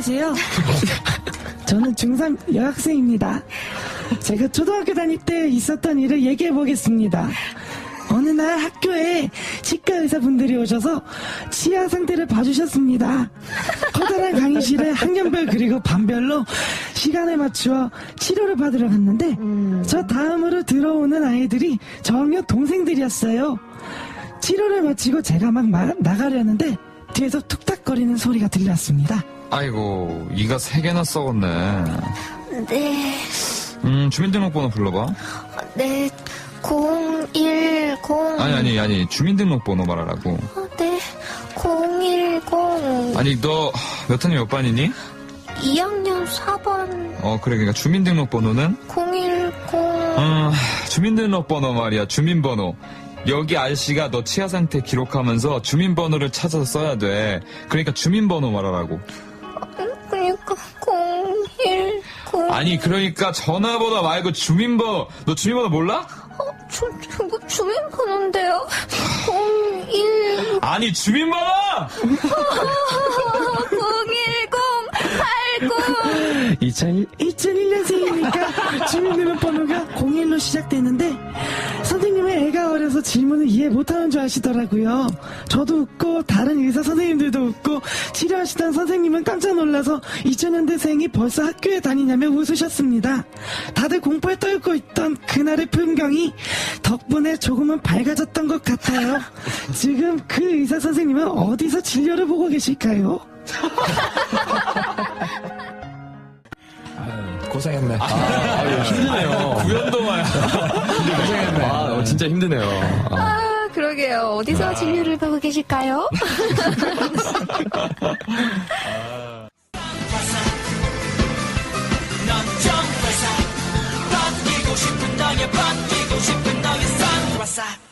안녕하세요. 저는 중3 여학생입니다. 제가 초등학교 다닐 때 있었던 일을 얘기해 보겠습니다. 어느 날 학교에 치과 의사분들이 오셔서 치아 상태를 봐주셨습니다. 커다란 강의실에 학년별 그리고 반별로 시간을 맞추어 치료를 받으러 갔는데 저 다음으로 들어오는 아이들이 저학년 동생들이었어요. 치료를 마치고 제가 막 나가려는데 뒤에서 툭탁거리는 소리가 들렸습니다. 아이고, 이가 3개나 썩었네. 네, 주민등록번호 불러봐. 네, 010. 아니, 주민등록번호 말하라고. 네, 010. 아니, 너 몇 학년 몇 반이니? 2학년 4반 그래, 그러니까 주민등록번호는? 010. 주민등록번호 말이야, 주민번호. 여기 아저씨가 너 치아 상태 기록하면서 주민번호를 찾아서 써야 돼. 그러니까 주민번호 말하라고. 그러니까 010. 아니, 그러니까 전화번호 말고 주민번호. 너 주민번호 몰라? 주민번호인데요. 010. 아니, 주민번호! 01089. 2001년생이니까 주민등록번호가 01로 시작되는데 선생님은 애가 어려서 질문을 이해 못하는 줄 아시더라고요. 저도 웃고 다른 의사 선생님들도 웃고 치료하시던 선생님은 깜짝 놀라서 2000년대생이 벌써 학교에 다니냐며 웃으셨습니다. 다들 공포에 떨고 있던 그날의 풍경이 덕분에 조금은 밝아졌던 것 같아요. 지금 그 의사 선생님은 어디서 진료를 보고 계실까요? 고생했네. 힘드네요. 구연동아야. 고생했네. 진짜 힘드네요. 그러게요. 어디서 진료를 보고 계실까요? 넌 정회사 바뀌고 싶은 너의 선글라스